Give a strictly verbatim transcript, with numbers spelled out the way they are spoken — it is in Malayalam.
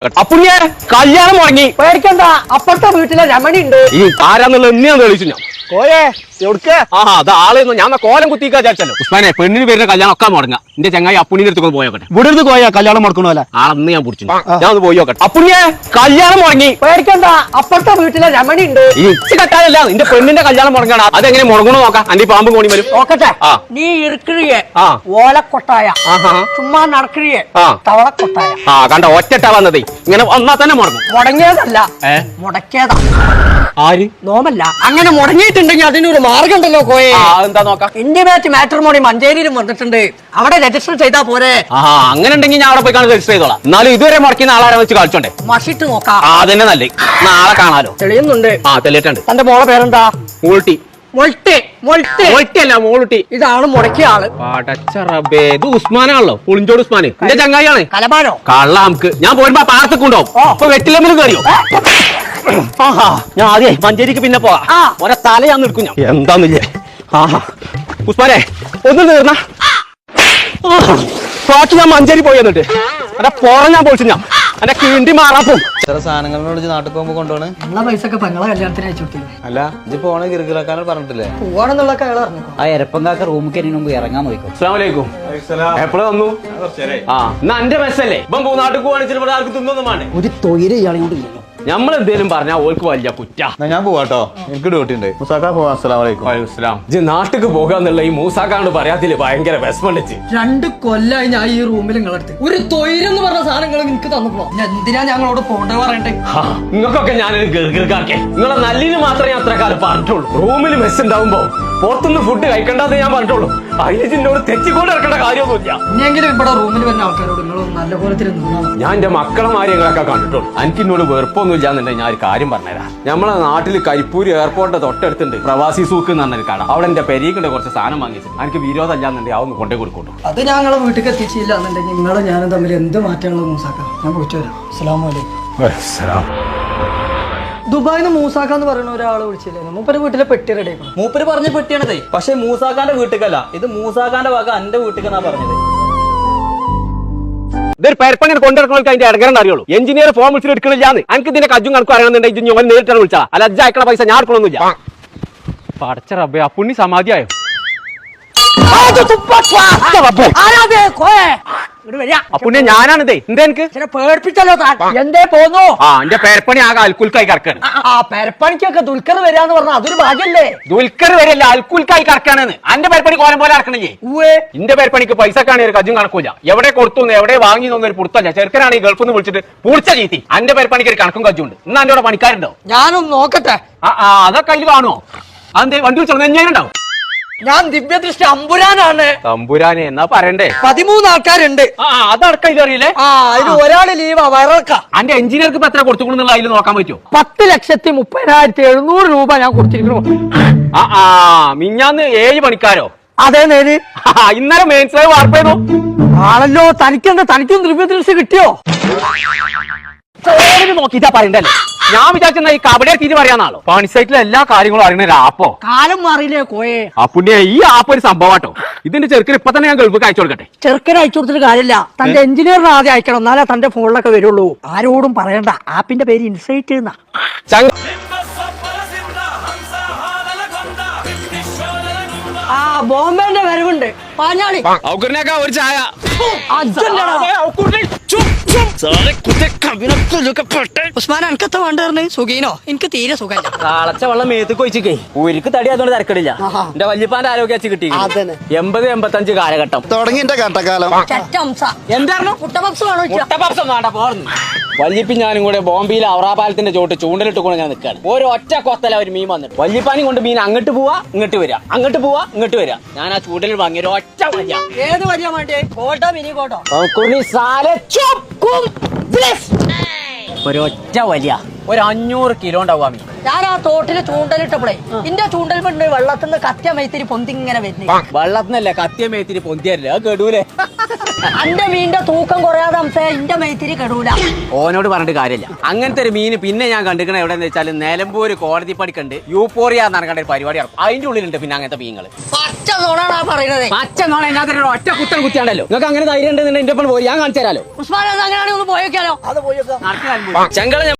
അപ്പുണ്ണിയെ കല്യാണം മുടങ്ങി. പേടിക്കണ്ട, അപ്പുറത്തെ വീട്ടിലെ രമണി ഉണ്ട്. ഈ ആരാന്നുള്ള എന്നെയാന്ന് തെളിച്ചു ഞാൻ. കോയെ എവിടുക്ക്? ആ അത് ആളെയൊന്നും ഞാൻ കോലം കുത്തിക്കാ വിചാരിച്ചല്ലോ. ഉസ്മാനെ പെണ്ണിന് പേരിന്റെ കല്യാണം ഒക്കെ മുടങ്ങ. എന്റെ ചങ്ങായി അപ്പുണ്ണിന്റെ അടുത്ത് പോയോട്ടെ. ഇവിടെ നിന്ന് കോയ കല്യാണം മുടക്കണോല്ല. ആളന്ന് ഞാൻ പിടിച്ചു. ഞാൻ ഒന്ന് പോയി നോക്കട്ടെ. അപ്പുണ്ണിയെ കല്യാണം മുടങ്ങി. പേടിക്കണ്ട, അപ്പുറത്തെ വീട്ടിലെ രമണി ഉണ്ട്. ഈ ഇച്ചി കട്ടാലല്ല നിന്റെ പെണ്ണിന്റെ കല്യാണം മുടങ്ങണം. അതെങ്ങനെ മുടങ്ങണോ നോക്കാം. അന്റെ പാമ്പ് കോണി വരും നോക്കട്ടെ. ആ നീ ഇറുക്കിഴിയെ ആ ഓലക്കൊട്ടായ ആഹാ ചുമ്മാ നടക്കിഴിയെ ആ തവളക്കൊട്ടായ. ആ കണ്ട ഒറ്റട്ടാ വന്നതേ. ഇങ്ങനെ വന്നാ തന്നെ മുടങ്ങും. മുടങ്ങിയതല്ല, ഏ മുടക്കിയതാ. ആര് നോമല്ല, അങ്ങനെ മുടങ്ങിയിട്ടുണ്ടെങ്കിൽ അതിനൊരു മാർഗം ഉണ്ടല്ലോ കോയെ. ആ എന്താ നോക്കാം. ഇന്റിമേറ്റ് മാട്രിമോണി മഞ്ചേരിയിലും വന്നിട്ടുണ്ട്. അവിടെ രജിസ്റ്റർ ചെയ്താ പോരെ? ആ അങ്ങനെ ഉണ്ടെങ്കിൽ ഞാൻ അവിടെ പോയി കാണാൻ രജിസ്റ്റർ ചെയ്തോളാം. എന്നാലും ഇതുവരെ മുടക്കുന്ന ആളാരെ വെച്ച് കളിച്ചോണ്ടേ. മഷിട്ട് നോക്കാം. ആ അതന്നെ നല്ലേ. നാളെ കാണാലോ. തെളിയുന്നുണ്ട്. ആ തെളിയിട്ടുണ്ട്. തന്റെ മോളെ പേരെന്താ? മൂൾട്ടി. മൊൾട്ടി. മൊൾട്ടി മോൾട്ടിയല്ല മോളുട്ടി. ഇതാണ് മുടക്കിയ ആള്. പടച്ച റബ്ബേ, ഇത് ഉസ്മാനാണല്ലോ. പുളിഞ്ചോട് ഉസ്മാൻ എന്റെ ചങ്ങായിയാണ്. കലമാനോ? കള്ള നമുക്ക് ഞാൻ പോരുമ്പോ പാർത്തക്കുണ്ടോ അപ്പൊ വെറ്റിലമ്മിൽ കയറിയോ? ആഹാ ഞാൻ ആദ്യേ മഞ്ചേരിക്ക് പിന്നെ പോവാ. ആ. ഒരെ തല ഞാൻ നിൽക്കും. ഞാൻ എന്താന്നില്ലേ. ആഹാ ഉസ്മാനെ ഒന്ന് തീർന്ന പാട്ട് ഞാൻ മഞ്ചേരി പോയി എന്നിട്ട് എന്റെ പുറം ഞാൻ പൊളിച്ചു. ഞാൻ എന്റെ കിണ്ടി മാറാപ്പോ ചില സാധനങ്ങളോട് നാട്ടിൽ പോകുമ്പോ കൊണ്ടുപോണ്. ഉള്ള പൈസ ഒക്കെ പെങ്ങളെ കല്യാണത്തിന് അയച്ചു കൊടുത്തില്ലേ? അല്ല ഇത് പോണ ഗിർഗിലാക്കാനോട് പറഞ്ഞിട്ടില്ലേ? പോവാണെന്നുള്ള അയാൾ അറിഞ്ഞു. ആ എരപ്പങ്കാക്ക റൂമിൽ കയറി മുമ്പ് ഇറങ്ങാൻ നോക്കോ. അസ്സലാമലൈക്കും. എപ്പോഴും വന്നു. ആ എന്നാ എന്റെ മെസ്സല്ലേ ഇപ്പം നാട്ടിൽ പോവാണ്. ചിലപ്പോൾ ആർക്ക് തിന്നൊന്നും വേണ്ടേ. ഒരു തൊയില് ഇയാളെ കൊണ്ട് ഇല്ലല്ലോ. നമ്മൾ എന്തേലും പറഞ്ഞാൽ ഓൾക്ക് വലിയ കുറ്റ. ഞാൻ പോവാട്ടോ, എനിക്ക് ഡ്യൂട്ടി ഉണ്ട്. മുസാക്ക പോവാ. അസ്സലാമലൈക്കും. നാട്ടിക്ക് പോകാന്നുള്ള ഈ മൂസാക്കാണ്ട് പറയാത്തില് ഭയങ്കര വിഷമണ്ടിച്ച്. രണ്ട് കൊല്ലായി ഞാൻ ഈ റൂമിൽ നിങ്ങളടുത്ത് ഒരു തൊയിലെന്ന് പറഞ്ഞ സാധനങ്ങൾ എനിക്ക് തന്നപ്പോ എന്തിനാ ഞങ്ങളോട് പോണ്ടേ പറയണ്ടേ? നിങ്ങൾക്കൊക്കെ ഞാനൊരു ഗർഗർക്കാർക്കെ നിങ്ങളെ നല്ലിന് മാത്രമേ അത്ര കാലം പറഞ്ഞിട്ടുള്ളൂ. റൂമിൽ മെസ് ഉണ്ടാവുമ്പോ പുറത്തുനിന്ന് ഫുഡ് കഴിക്കണ്ടെന്ന് ഞാൻ പറഞ്ഞിട്ടുള്ളൂ. അതിനോട് തെറ്റിക്കൊണ്ട് ഇറക്കേണ്ട കാര്യമൊന്നുമില്ല. ഇനിയെങ്കിലും ഇവിടെ റൂമിൽ വരുന്ന ആൾക്കാരോട് നിങ്ങൾ നല്ല കോലത്തിൽ നിന്നാ. ഞാൻ എന്റെ മക്കളെ മാര്യങ്ങളൊക്കെ കണ്ടിട്ടുള്ളൂ. എനിക്ക് എന്നോട് വെറുപ്പൊന്നും ഇല്ലാന്നുണ്ടെങ്കിൽ ഞാൻ ഒരു കാര്യം പറഞ്ഞുതരാം. നമ്മളെ നാട്ടിൽ കരിപ്പൂർ എയർപോർട്ട് തൊട്ടടുത്തുണ്ട് പ്രവാസി സൂക്ക് എന്ന് പറഞ്ഞൊരു കട. അവിടെ എന്റെ പെരീക്കിന്റെ കുറച്ച് സാധനം വാങ്ങിച്ചു. എനിക്ക് വിരോധം ഇല്ലാന്നുണ്ടെങ്കിൽ അതൊന്ന് കൊണ്ടേ കൊടുക്കോട്ടു. അത് ഞങ്ങളെ വീട്ടിൽ എത്തിച്ചില്ല എന്നുണ്ടെങ്കിൽ നിങ്ങളും ഞാനും തമ്മിൽ എന്ത് മാറ്റങ്ങളും മൂസാക്കാം. ഞാൻ പോയിട്ട് വരാം. അസ്സലാമലൈക്കും. ദുബായിന്ന് മൂസാക്കാന്ന് പറയുന്ന ഒരാളെ വിളിച്ചില്ലേ? മൂപ്പര് വീട്ടിലെ പെട്ടി റെഡി ആക്കണം. മൂപ്പര് പറഞ്ഞ പെട്ടിയാണതേ. പക്ഷെ മൂസാക്കാന്റെ വീട്ടിക്കല്ല, ഇത് മൂസാക്കാന്റെ വക എന്റെ വീട്ടിക്കെന്നാ പറഞ്ഞത്. ഇതൊരു പെരപ്പങ്ങനെ കൊണ്ടിറക്കണവർക്ക് അതിന്റെ ഇടകരം അറിയുള്ളൂ. എഞ്ചിനീയർ ഫോം വിളിച്ചിട്ട് എടുക്കണില്ലാന്ന്. എനിക്ക് ഇതിന്റെ കജ്ജും കണക്കും അറിയണമെന്നുണ്ടെങ്കിൽ ഞാൻ നേരിട്ടാണ് വിളിച്ചാ. അല്ല അജ്ജ അയക്കണ പൈസ ഞാൻ എടുക്കണമെന്നില്ല. പടച്ച റബ്ബേ, അപ്പുണ്ണി സമാധിയായോ? അപ്പുണ്ണിയെ ഞാനാണിതേ. എന്താ എനിക്ക് പേടിപ്പിച്ചല്ലോ എന്തേ പോന്നു? ആ എന്റെ പേരപ്പണി ആകെ അൽക്കുൽക്കായി കറക്കാണ്. ആ പെരപ്പണിക്കൊക്കെ ദുൽഖർ വരാന്ന് പറഞ്ഞ അതൊരു ഭാഗ്യല്ലേ? ദുൽഖർ വരെയല്ല അൽക്കുൽക്കായി കറക്കാണെന്ന്. അന്റെ പേരപ്പണി കോലം പോലെ ഇറക്കണില്ലേ? ഇന്റെ പേരപ്പണിക്ക് പൈസക്കാണ് ഒരു കജ്ജും കണക്കൂല. എവിടെ കൊടുത്തു എവിടെ വാങ്ങി ഒരു പുറത്തല്ല. ചെറുക്കനാണ് ഈ ഗൾഫിൽ നിന്ന് വിളിച്ചിട്ട് പൂർച്ച ചീത്തി. അന്റെ പേരപ്പണിക്ക് ഒരു കണക്കും കജ്ജുണ്ട്. ഇന്ന് എന്റെ പണിക്കാരുണ്ടോ? ഞാനൊന്ന് നോക്കട്ടെ. ആ ആ അതൊക്കെ അതിൽ കാണുമോ? അതെന്തേ വണ്ടി വിളിച്ചോ? ഞാനുണ്ടാവും. ഞാൻ ദിവ്യദൃഷ്ടി അമ്പുരാനാണ്. തമ്പുരാനെ എന്നാ പറയണ്ടേ? പതിമൂന്ന് ആൾക്കാരുണ്ട്. ആ അതടക്കം ഇതറിയില്ലേ? ആ ഇത് ഒരാള് ലീവാ വയറക്ക. അന്റെ എഞ്ചിനീയർക്ക് ഇപ്പൊ എത്ര കൊടുത്തുകൊണ്ടെന്നുള്ള അതിൽ നോക്കാൻ പറ്റുമോ? പത്ത് ലക്ഷത്തി മുപ്പതിനായിരത്തി എഴുന്നൂറ് രൂപ ഞാൻ കൊടുത്തിരിക്കുന്നു. ആ ആ മിഞ്ഞാന്ന് ഏഴ് പണിക്കാരോ? അതേ നേര്. ഇന്നലെ മെയിൻസ് വാർപ്പ് ചെയ്തു ആണല്ലോ. തനിക്കെന്താ, തനിക്കും ദിവ്യദൃഷ്ടി കിട്ടിയോ? നോക്കിട്ടാ പറയണ്ടല്ലേ. ഞാൻ വിചാരിച്ച ഈ കബഡിയെ തീരെ പറയാന്നാണല്ലോ. പണി സൈറ്റിലെ എല്ലാ കാര്യങ്ങളും അറിയണ ഒരു ആപ്പോ. കാലം മാറിയില്ലേ കോയെ? അപ്പുണ്ണിയെ ഈ ആപ്പ് ഒരു സംഭവമാട്ടോ. ഇതിന്റെ ചെറുക്കിന് ഇപ്പൊ തന്നെ ഞാൻ ഗൾഫിക്ക് അയച്ചു കൊടുക്കട്ടെ. ചെറുക്കന് അയച്ചു കൊടുത്തിട്ട് കാര്യമില്ല. തന്റെ എഞ്ചിനീയറിന് ആദ്യം അയക്കണം, എന്നാലേ തന്റെ ഫോണിലൊക്കെ വരുള്ളൂ. ആരോടും പറയണ്ട. ആപ്പിന്റെ പേര് ഇൻസൈറ്റ് എന്നാ. ആ ബോംബെന്റെ വരവുണ്ട്. പാഞ്ഞാളി ഒരു ചായ. ഉസ്മാൻ എനിക്കത്ത വേണ്ടായിരുന്നു. സുഖീനോ? എനിക്ക് തീരെ സുഖമില്ല. കാളച്ച വെള്ളം മേത്തേക്ക് ഒഴിച്ചിക്കേ ഊരിക്ക് തടി അതുകൊണ്ട് തിരക്കടില്ല. എന്റെ വല്യപ്പാന്റെ ആരോഗ്യ വെച്ച് കിട്ടി. എൺപത് എൺപത്തഞ്ച് കാലഘട്ടം തുടങ്ങി എന്റെ കട്ടക്കാലം. എന്തായിരുന്നു വല്യപ്പി ഞാനും കൂടെ ബോംബെയിലെ ഔറാപാലത്തിന്റെ ചോട്ട് ചൂണ്ടലിട്ട് കൊണ്ട് ഞാൻ നിൽക്കാണ്. ഒരു ഒറ്റ കൊത്തല ഒരു മീൻ വന്നിട്ട് വല്യപ്പാനി കൊണ്ട് മീൻ അങ്ങോട്ട് പോവാ ഇങ്ങോട്ട് വരിക, അങ്ങോട്ട് പോവാ ഇങ്ങോട്ട് വരിക. ഞാൻ ആ ചൂണ്ടലിൽ വാങ്ങിയ ഒരു ഒറ്റ വലിയ. ഏത് വലിയ വേണ്ടേ? കോട്ടോ മിനി കോട്ടോ? ഒരു ഒറ്റ വലിയ ഒരു അഞ്ഞൂറ് കിലോ ഉണ്ടാവും ആ മീൻ. ഞാൻ ആ തോട്ടില് ചൂണ്ടലിട്ടപ്പോഴേ ഇന്റെ ചൂണ്ടൽ പെണ്ണ് വെള്ളത്തിൽ നിന്ന് കത്തിയ മൈത്തിരി പൊന്തിങ്ങനെ വരുന്നു. വെള്ളത്തിനല്ല കത്തിയ മേത്തിരി പൊന്തിയല്ലേ അത് കെടൂലേ. അന്റെ മീനിന്റെ തൂക്കം കുറയാതെ അംസേ ഇന്റെ മൈത്തിരി കെടൂല. ഓനോട് പറഞ്ഞിട്ട് കാര്യമില്ല. അങ്ങനത്തെ ഒരു മീൻ പിന്നെ ഞാൻ കണ്ടിരിക്കണ എവിടെയെന്ന് വെച്ചാൽ നിലമ്പൂര് കോടതി പടിക്കണ്ട് യൂപ്പോറിയ എന്ന് പറഞ്ഞ ഒരു പരിപാടി നടക്കും. അതിന്റെ ഉള്ളിലുണ്ട് പിന്നെ അങ്ങനത്തെ മീനുകൾ. പച്ച നോണാണ് ആ പറയുന്നത്. പച്ച നോണ എന്നാ ഒറ്റ കുത്തൻ കുത്തിയാണ്ടല്ലോ. നിങ്ങൾക്ക് അങ്ങനെ ധൈര്യം ഉണ്ടെന്നുണ്ടെങ്കിൽ എന്റെ ഒപ്പം പോയി ഞാൻ കാണിച്ചു തരാലോ. ഉസ്മാൻ അങ്ങനെയാണെങ്കിൽ ഒന്ന് പോയേക്കാലോ. അത് പോയേക്കാം. ചെങ്കള